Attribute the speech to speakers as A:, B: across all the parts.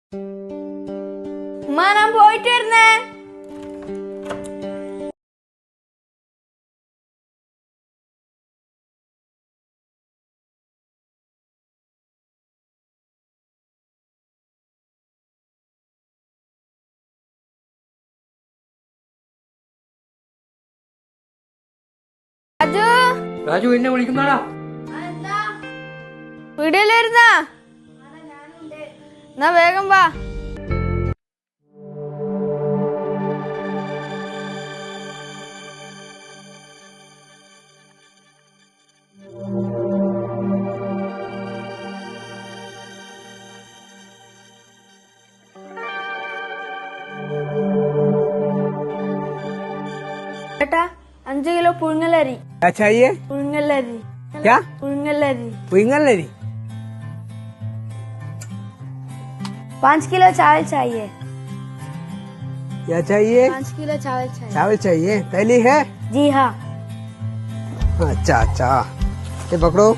A: ഉമ്മ ഞാൻ പോയിട്ട് വരുന്നേ. രാജു
B: രാജു എന്നെ വിളിക്കുന്നാടാ.
A: വീടില്ലായിരുന്ന എന്നാ വേഗം വാ. बेटा 5 किलो पुഴുങ്ങലരി.
C: क्या चाहिए?
A: पुഴുങ്ങലരി.
C: क्या?
A: पुഴുങ്ങലരി.
C: पुंगलरी?
A: 5 किलो चावल चाहिए.
C: क्या चाहिए?
A: 5 किलो चावल चाहिए.
C: चावल चाहिए? थैली है?
A: जी हाँ.
C: अच्छा अच्छा, ये पकड़ो.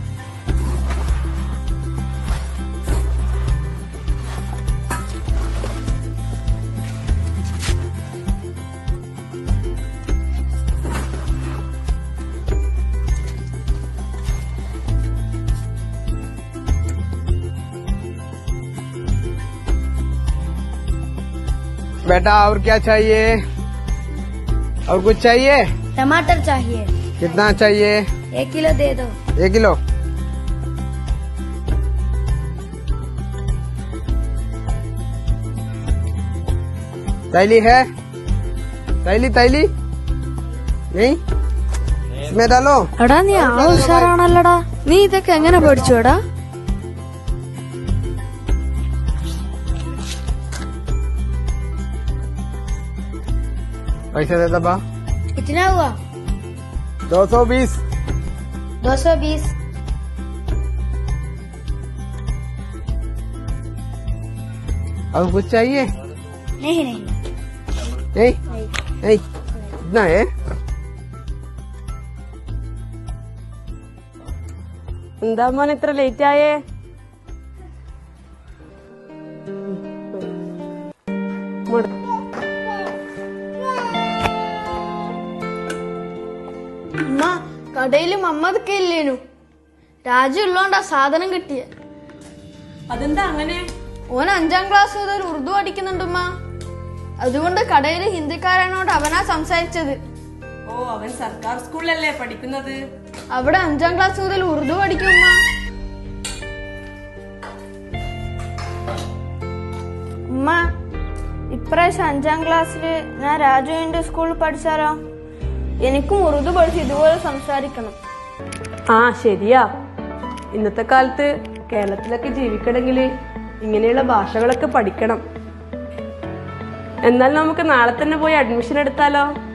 C: बेटा और क्या चाहिए? और कुछ चाहिए?
A: टमाटर चाहिए.
C: कितना चाहिए?
A: 1 किलो दे दो.
C: 1 किलो. तैली है? तैली तैली नहीं? इसमें डालो.
A: എടാ നീ ആള് ഉഷാറാണല്ലോടാ. നീ ഇതൊക്കെ എങ്ങനെ പഠിച്ചോടാ?
C: पैसे दे दबा.
A: कितना हुआ?
C: 220.
A: 220.
C: और कुछ चाहिए?
A: नहीं नहीं
C: नहीं नहीं, इतना है.
D: എന്താ മോൻ ഇത്ര ലേറ്റ് ആയേ?
A: ഉമ്മ കടയില് മമ്മദൊക്കെ ഇല്ലേനു. രാജു ഉള്ളോണ്ടാ സാധനം കിട്ടിയ.
D: അതെന്താ അങ്ങനെ?
A: ഓൻ 5ാം ക്ലാസ് മുതൽ ഉറുദു പഠിക്കുന്നുണ്ടുമ്മ. അതുകൊണ്ട് കടയില് ഹിന്ദിക്കാരനോട് അവനാ സംസാരിച്ചത്.
D: ഓ, അവൻ സർക്കാർ സ്കൂളിലല്ലേ പഠിക്കുന്നത്?
A: അവിടെ 5ാം ക്ലാസ് മുതൽ ഉറുദു പഠിക്കുമ്മ. ഉമ്മ ഇപ്രാവശ്യം 5ാം ക്ലാസ്സില് ഞാൻ രാജുവിന്റെ സ്കൂളിൽ പഠിച്ചാലോ? എനിക്കും ഉറുദു പഠിച്ച് ഇതുപോലെ സംസാരിക്കണം.
D: ആ ശരിയാ. ഇന്നത്തെ കാലത്ത് കേരളത്തിലൊക്കെ ജീവിക്കണമെങ്കിൽ ഇങ്ങനെയുള്ള ഭാഷകളൊക്കെ പഠിക്കണം. എന്നാൽ നമുക്ക് നാളെ തന്നെ പോയി അഡ്മിഷൻ എടുത്താലോ?